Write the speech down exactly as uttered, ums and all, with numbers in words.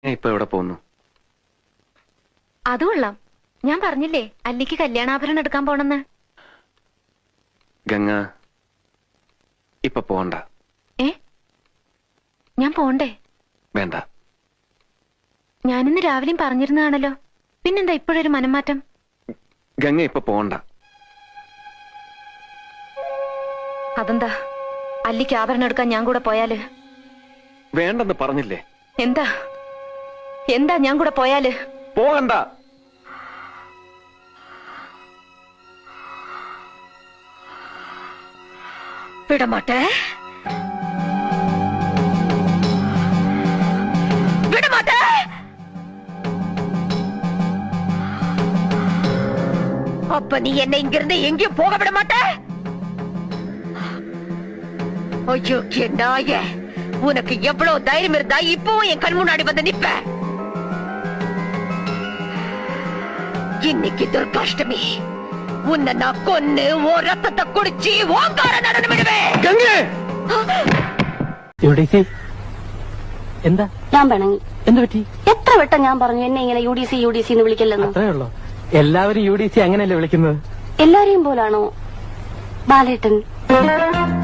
ഇപ്പൊ എവിടെ പോകുന്നു? അത് കൊള്ളാം. ഞാൻ പറഞ്ഞില്ലേ അല്ലിക്ക് കല്യാണാഭരണം എടുക്കാൻ പോണെന്ന്. ഗംഗ ഇപ്പൊ പോണ്ട. ഏ ഞാൻ പോണ്ടേ? വേണ്ട. ഞാനിന്ന് രാവിലെയും പറഞ്ഞിരുന്നതാണല്ലോ, പിന്നെന്താ ഇപ്പോഴൊരു മനംമാറ്റം? ഗംഗ ഇപ്പൊ പോണ്ട. അതെന്താ? അല്ലിക്ക് ആഭരണം എടുക്കാൻ ഞാൻ കൂടെ പോയാല്? വേണ്ടെന്ന് പറഞ്ഞില്ലേ? എന്താ എന്താ ഞാൻ കൂടെ പോയാല്? പോകണ്ട. വിടമാട്ടെ വിടമാട്ടെ. அப்ப நீ என்ன இங்கிருந்து எங்கேயும் போக விட மாட்ட? ஐயோ நாய, உனக்கு எவ்வளவு தைரியம் இருந்தா இப்பவும் என் கண் முன்னாடி வந்து நிப்ப? இன்னைக்கு துர்காஷ்டமி, உன்னை நான் கொன்னு ஓ ரத்தத்தை குடிச்சு ஓங்கார நடனம் விடுவேன். എന്താ? ഞാൻ പിണങ്ങി. എന്ത് പറ്റി? എത്ര വട്ടം ഞാൻ പറഞ്ഞു എന്നെ ഇങ്ങനെ U D C U D C എന്ന് വിളിക്കല്ലെന്ന്? അത്രേ ഉള്ളൂ. എല്ലാവരും യു ഡി സി അങ്ങനെയല്ലേ വിളിക്കുന്നത്? എല്ലാരെയും പോലാണോ ബാലേട്ടൻ?